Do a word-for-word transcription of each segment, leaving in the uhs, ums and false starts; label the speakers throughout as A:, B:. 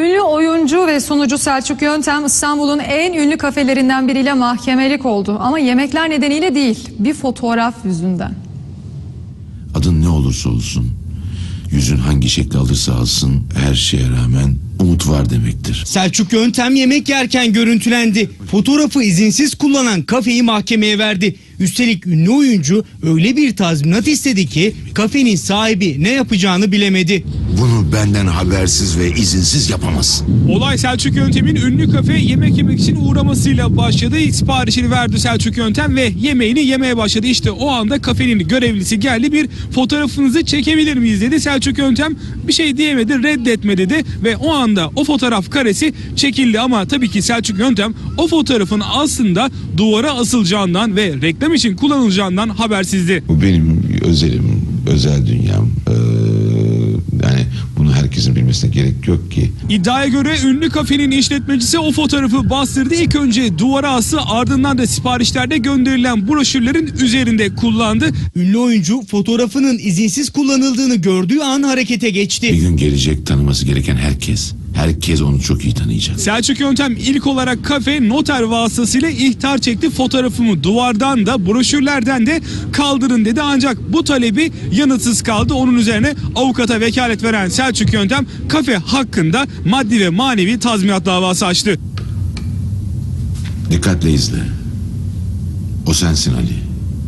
A: Ünlü oyuncu ve sunucu Selçuk Yöntem İstanbul'un en ünlü kafelerinden biriyle mahkemelik oldu. Ama yemekler nedeniyle değil, bir fotoğraf yüzünden.
B: Adın ne olursa olsun, yüzün hangi şekli alırsa alsın, her şeye rağmen umut var demektir.
C: Selçuk Yöntem yemek yerken görüntülendi. Fotoğrafı izinsiz kullanan kafeyi mahkemeye verdi. Üstelik ünlü oyuncu öyle bir tazminat istedi ki kafenin sahibi ne yapacağını bilemedi.
B: Bunu benden habersiz ve izinsiz yapamaz.
D: Olay Selçuk Yöntem'in ünlü kafe yemek yemek için uğramasıyla başladı. İlk siparişini verdi Selçuk Yöntem ve yemeğini yemeye başladı. İşte o anda kafenin görevlisi geldi, bir fotoğrafınızı çekebilir miyiz dedi. Selçuk Yöntem bir şey diyemedi, reddetme dedi ve o anda o fotoğraf karesi çekildi. Ama tabii ki Selçuk Yöntem o fotoğrafın aslında duvara asılacağından ve reklam için kullanılacağından habersizdi.
B: Bu benim özelim, özel dünyam. Ee, yani bunu herkesin bilmesine gerek yok ki.
D: İddiaya göre ünlü kafenin işletmecisi o fotoğrafı bastırdı. İlk önce duvara astı, ardından da siparişlerde gönderilen broşürlerin üzerinde kullandı.
C: Ünlü oyuncu fotoğrafının izinsiz kullanıldığını gördüğü an harekete
B: Bir
C: geçti.
B: gün gelecek, tanıması gereken herkes. Herkes onu çok iyi tanıyacak.
D: Selçuk Yöntem ilk olarak kafe noter vasıtasıyla ihtar çekti. Fotoğrafımı duvardan da broşürlerden de kaldırın dedi. Ancak bu talebi yanıtsız kaldı. Onun üzerine avukata vekalet veren Selçuk Yöntem kafe hakkında maddi ve manevi tazminat davası açtı.
B: Dikkatle izle. O sensin Ali.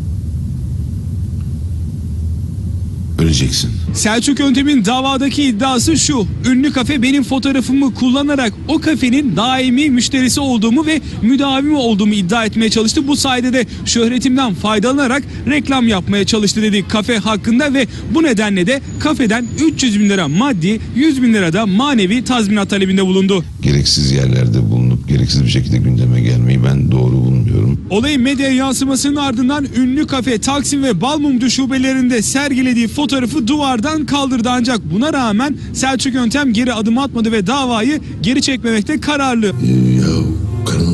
B: Öleceksin.
D: Selçuk Yöntem'in davadaki iddiası şu: ünlü kafe benim fotoğrafımı kullanarak o kafenin daimi müşterisi olduğumu ve müdavimi olduğumu iddia etmeye çalıştı. Bu sayede de şöhretimden faydalanarak reklam yapmaya çalıştı dedi kafe hakkında ve bu nedenle de kafeden üç yüz bin lira maddi, yüz bin lira da manevi tazminat talebinde bulundu.
B: Gereksiz yerlerde bulunup gereksiz bir şekilde gündeme gelmeyi ben doğru bulmuyorum.
D: Olayın medya yansımasının ardından ünlü kafe Taksim ve Balmumcu şubelerinde sergilediği fotoğrafı duvardan kaldırdı. Ancak buna rağmen Selçuk Yöntem geri adım atmadı ve davayı geri çekmemekte kararlı.
B: Ee, ya karın